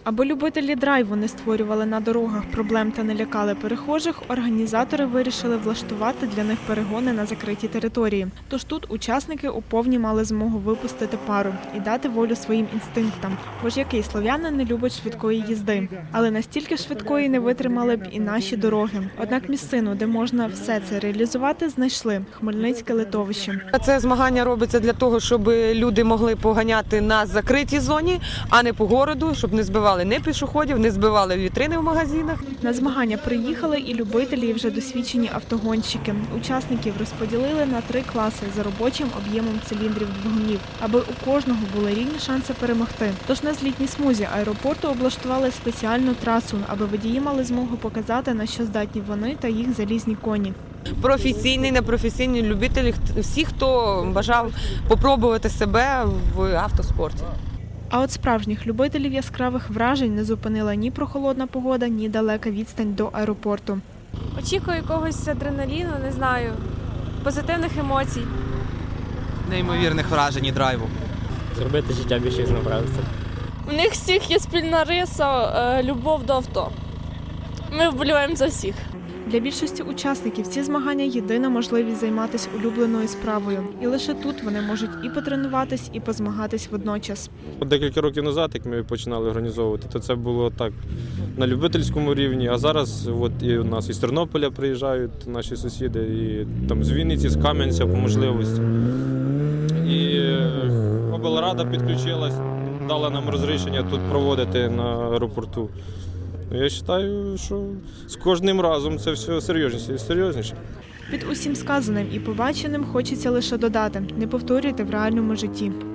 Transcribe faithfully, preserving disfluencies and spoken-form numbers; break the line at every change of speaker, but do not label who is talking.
Аби любителі драйву не створювали на дорогах проблем та не лякали перехожих, організатори вирішили влаштувати для них перегони на закритій території. Тож тут учасники у повні мали змогу випустити пару і дати волю своїм інстинктам. Бо ж який слов'янин не любить швидкої їзди. Але настільки швидкої не витримали б і наші дороги. Однак місцину, де можна все це реалізувати, знайшли – Хмельницьке литовище.
Це змагання робиться для того, щоб люди могли поганяти на закритій зоні, а не по городу, щоб не збивали не пішоходів, не збивали вітрини в магазинах.
На змагання приїхали і любителі, і вже досвідчені автогонщики. Учасників розподілили на три класи за робочим об'ємом циліндрів двигунів, аби у кожного були рівні шанси перемогти. Тож на злітній смузі аеропорту облаштували спеціальну трасу, аби водії мали змогу показати, на що здатні вони та їх залізні коні.
Професійні, непрофесійні любителі, всі, хто бажав попробувати себе в автоспорті.
А от справжніх любителів яскравих вражень не зупинила ні прохолодна погода, ні далека відстань до аеропорту.
Очікую якогось адреналіну, не знаю, позитивних емоцій.
Неймовірних вражень і драйву.
Зробити життя більш різнообразне.
У них всіх є спільна риса – любов до авто. Ми вболіваємо за всіх.
Для більшості учасників ці змагання – єдина можливість займатися улюбленою справою. І лише тут вони можуть і потренуватись, і позмагатись водночас.
Декілька років назад, як ми починали організовувати, то це було так на любительському рівні, а зараз от і у нас із Тернополя приїжджають наші сусіди, і там з Вінниці, з Кам'янця по можливості. І облрада підключилась, дала нам розрішення тут проводити на аеропорту. Я вважаю, що з кожним разом це все серйозніше і серйозніше.
Під усім сказаним і побаченим хочеться лише додати – не повторюйте в реальному житті.